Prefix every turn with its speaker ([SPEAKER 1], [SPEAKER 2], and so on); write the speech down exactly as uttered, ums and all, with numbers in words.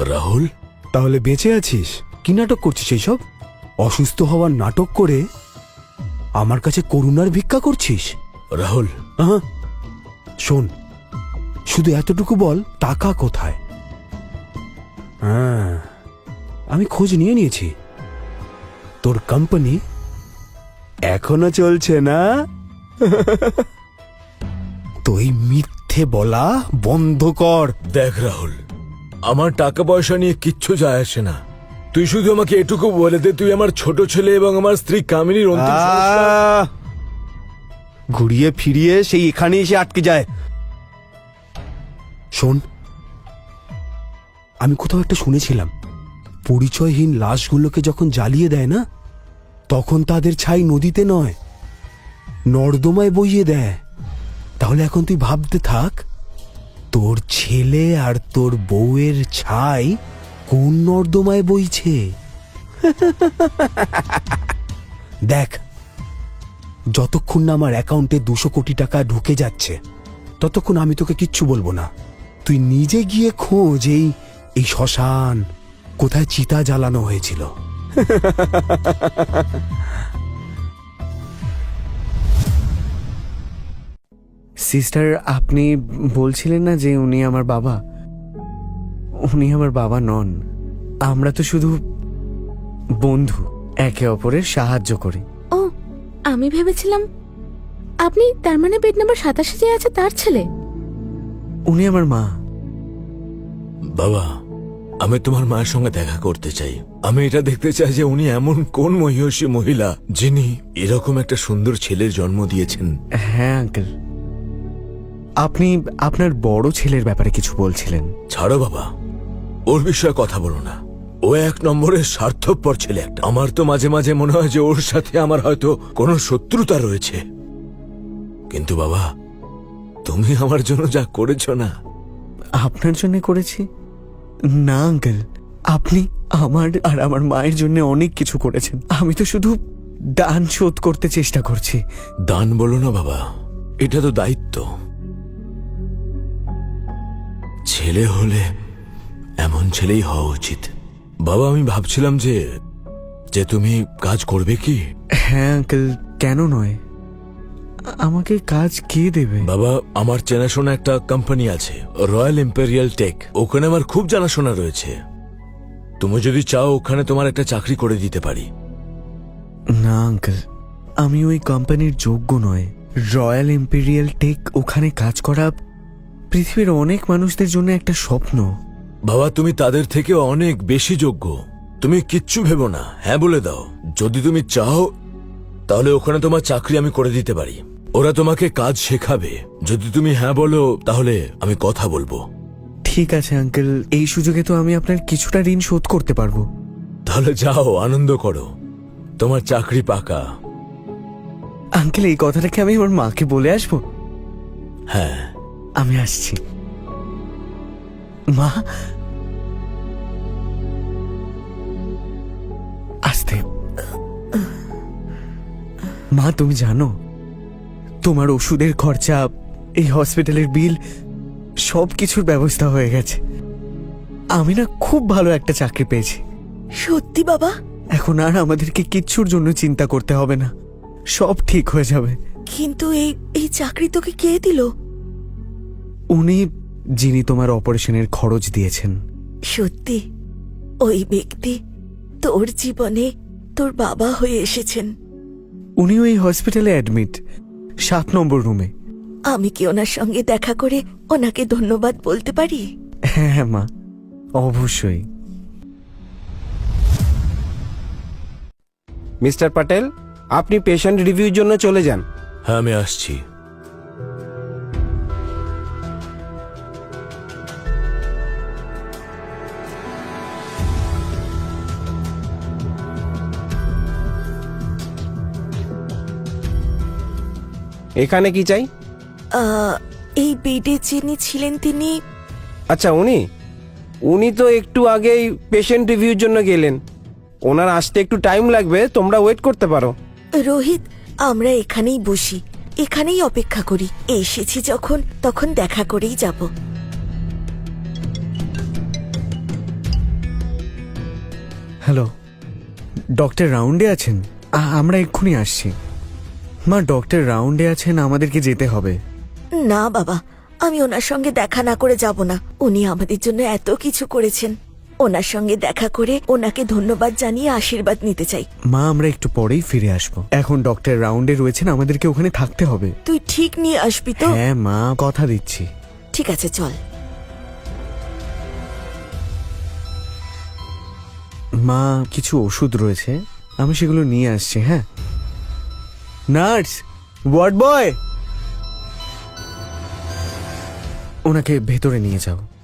[SPEAKER 1] রাহুল,
[SPEAKER 2] তাহলে বেঁচে আছিস? কি নাটক করছিস এইসব? অসুস্থ হওয়ার নাটক করে আমার কাছে করুণার ভিক্ষা করছিস?
[SPEAKER 1] রাহুল,
[SPEAKER 2] আহা, শোন, শুধু এতটুকু বল, টাকা কোথায়? হ্যাঁ, আমি খোঁজ নিয়ে নিয়েছি। তোর কোম্পানি এখনো চলছে না? তুই মিথ্যে বলা বন্ধ কর।
[SPEAKER 1] দেখ রাহুল, আমার টাকা পয়সা নিয়ে কিচ্ছু যায় আসে না। তুই শুধু আমাকে এটুকু বলে দে, তুই আমার ছোট ছেলে এবং আমার স্ত্রী কামিনীর অন্তিম সংস্কার।
[SPEAKER 2] আহ! ঘুরিয়ে ফিরিয়ে সেই এখানে এসে আটকে যায়। শোন, আমি কোথাও একটা শুনেছিলাম, পরিচয়হীন লাশগুলোকে যখন জ্বালিয়ে দেয় না, তখন তাদের ছাই নদীতে নয়, নর্দমায় বইয়ে দেয়। তাহলে এখন তুই ভাবতে থাক, তোর ছেলে আর তোর বউয়ের ছাই কোন নর্দমায় বইছে। দেখ, যতক্ষণ না আমার অ্যাকাউন্টে দুশো কোটি টাকা ঢুকে যাচ্ছে, ততক্ষণ আমি তোকে কিচ্ছু বলবো না। তুই নিজে গিয়ে খোঁজ এই এই শ্মশান কোথায় চিতা জ্বালানো হয়েছিল।
[SPEAKER 3] সিস্টার, আপনি বলছিলেন না যে উনি আমার বাবা? উনি আমার বাবা নন। আমরা তো শুধু বন্ধু, একে অপরের সাহায্য করি।
[SPEAKER 4] ও, আমি ভেবেছিলাম আপনি, তার মানে বেড নাম্বার সাতাশে যে আছে তার ছেলে।
[SPEAKER 3] উনি আমার মা।
[SPEAKER 1] বাবা, আমি তোমার মায়ের সঙ্গে দেখা করতে চাই। আমি এটা দেখতে চাই যে উনি এমন কোন মহিষী মহিলা যিনি এরকম একটা সুন্দর ছেলের জন্ম দিয়েছেন।
[SPEAKER 3] হ্যাঁ আঙ্কেল, আপনি আপনার বড় ছেলের ব্যাপারে কিছু বলছিলেন।
[SPEAKER 1] ছাড়ো বাবা, ওর বিষয়ে কথা বলো না। ও এক নম্বরের স্বার্থপর ছেলে একটা। আমার তো মাঝে মাঝে মনে হয় যে ওর সাথে আমার হয়তো কোনো শত্রুতা রয়েছে। কিন্তু বাবা, তুমি আমার জন্য যা করেছ না।
[SPEAKER 3] আপনার জন্য করেছি? না আঙ্কেল, আপনি আমার আর আমার মায়ের জন্য অনেক কিছু করেছেন। আমি তো শুধু দান শোধ করতে চেষ্টা করছি।
[SPEAKER 1] দান বলো না বাবা, এটা তো দায়িত্ব। ছেলে হলে এমন ছেলেই হওয়া উচিত। বাবা, আমি ভাবছিলাম যে যে তুমি কাজ করবে কি?
[SPEAKER 3] হ্যাঁ আঙ্কেল, কেন নয়? আমাকে কাজ কে দেবে?
[SPEAKER 1] বাবা, আমার চেনাশোনা একটা কোম্পানি আছে, রয়্যাল ইম্পেরিয়াল টেক। ওখানে আমার খুব জানাশোনা রয়েছে। তুমি যদি চাও ওখানে তোমার একটা চাকরি করে দিতে পারি।
[SPEAKER 3] না আঙ্কেল, আমি ওই কোম্পানির যোগ্য নয়। রয়্যাল ইম্পেরিয়াল টেক, ওখানে কাজ করা পৃথিবীর অনেক মানুষদের জন্য একটা স্বপ্ন।
[SPEAKER 1] বাবা, তুমি তাদের থেকে অনেক বেশি যোগ্য। তুমি কিচ্ছু ভেবো না, হ্যাঁ বলে দাও। যদি তুমি চাও তাহলে ওখানে তোমার চাকরি আমি করে দিতে পারি। ওরা তোমাকে কাজ শেখাবে। যদি তুমি হ্যাঁ বলো তাহলে আমি কথা বলবো।
[SPEAKER 3] ঠিক আছে আঙ্কেল, এই সুযোগে তো আমি আপনার কিছুটা ঋণ শোধ করতে পারবো।
[SPEAKER 1] তাহলে যাও, আনন্দ করো, তোমার চাকরি পাকা।
[SPEAKER 3] আঙ্কেল, এই কথাটাকে আমি আমার মাকে বলে আসবো?
[SPEAKER 1] হ্যাঁ,
[SPEAKER 3] আমি আসছি। মা, আসতে। মা, তুমি জানো তোমার ওষুধের খরচা, এই হসপিটালের বিল, সব কিছুর ব্যবস্থা হয়ে গেছে। আমি না খুব ভালো একটা চাকরি পেয়েছি।
[SPEAKER 4] সত্যি বাবা?
[SPEAKER 3] এখন আর আমাদেরকে কিচ্ছুর জন্য চিন্তা করতে হবে না, সব ঠিক হয়ে যাবে।
[SPEAKER 4] কিন্তু এই এই চাকরি তোকে কে দিল?
[SPEAKER 3] উনি, যিনি তোমার অপারেশনের খরচ দিয়েছেন।
[SPEAKER 4] সত্যি ওই ব্যক্তি তোর জীবনে তোর বাবা হয়ে এসেছেন।
[SPEAKER 3] উনি ওই হসপিটালে অ্যাডমিট, সাত নম্বর রুমে।
[SPEAKER 4] আমি কি ওনার সঙ্গে দেখা করে ওনাকে ধন্যবাদ বলতে পারি?
[SPEAKER 3] হ্যাঁ হ্যাঁ মা, অবশ্যই।
[SPEAKER 2] মিস্টার প্যাটেল, আপনি পেশেন্ট রিভিউর জন্য চলে যান।
[SPEAKER 1] হ্যাঁ, আমি আসছি।
[SPEAKER 2] এখানে কি চাই?
[SPEAKER 4] আহ, এই বেডে যিনি ছিলেন তিনি।
[SPEAKER 2] আচ্ছা, উনি উনি তো একটু আগেই পেশেন্ট রিভিউর জন্য গেলেন। ওনার আসতে একটু টাইম লাগবে, তোমরা ওয়েট করতে পারো।
[SPEAKER 4] রোহিত, আমরা এখানেই বসি, এখানেই অপেক্ষা করি। এসেছি যখন, তখন দেখা করেই যাব।
[SPEAKER 3] হ্যালো, ডক্টর রাউন্ডে আছেন? আ- আমরা এক্ষুনি আসছি। মা, ডক্টর রাউন্ডে আছেন, আমাদেরকে যেতে হবে।
[SPEAKER 4] না বাবা, আমি ওনার সঙ্গে দেখা না করে যাব না। উনি আমাদের জন্য এত কিছু করেছেন। ওনার সঙ্গে দেখা করে ওনাকে ধন্যবাদ জানিয়ে আশীর্বাদ নিতে চাই।
[SPEAKER 3] মা, আমরা একটু পরেই ফিরে আসবো। এখন ডক্টর রাউন্ডে রয়েছেন, আমাদেরকে ওখানে থাকতে হবে।
[SPEAKER 4] তুই ঠিক নিয়ে আসবি তো?
[SPEAKER 3] হ্যাঁ মা, কথা দিচ্ছি।
[SPEAKER 4] ঠিক আছে, চল।
[SPEAKER 3] মা, কিছু ওষুধ রয়েছে, আমি সেগুলো নিয়ে আসছি। হ্যাঁ নার্স, ওয়ার্ড বয়, ওনাকে ভেতরে নিয়ে যাও।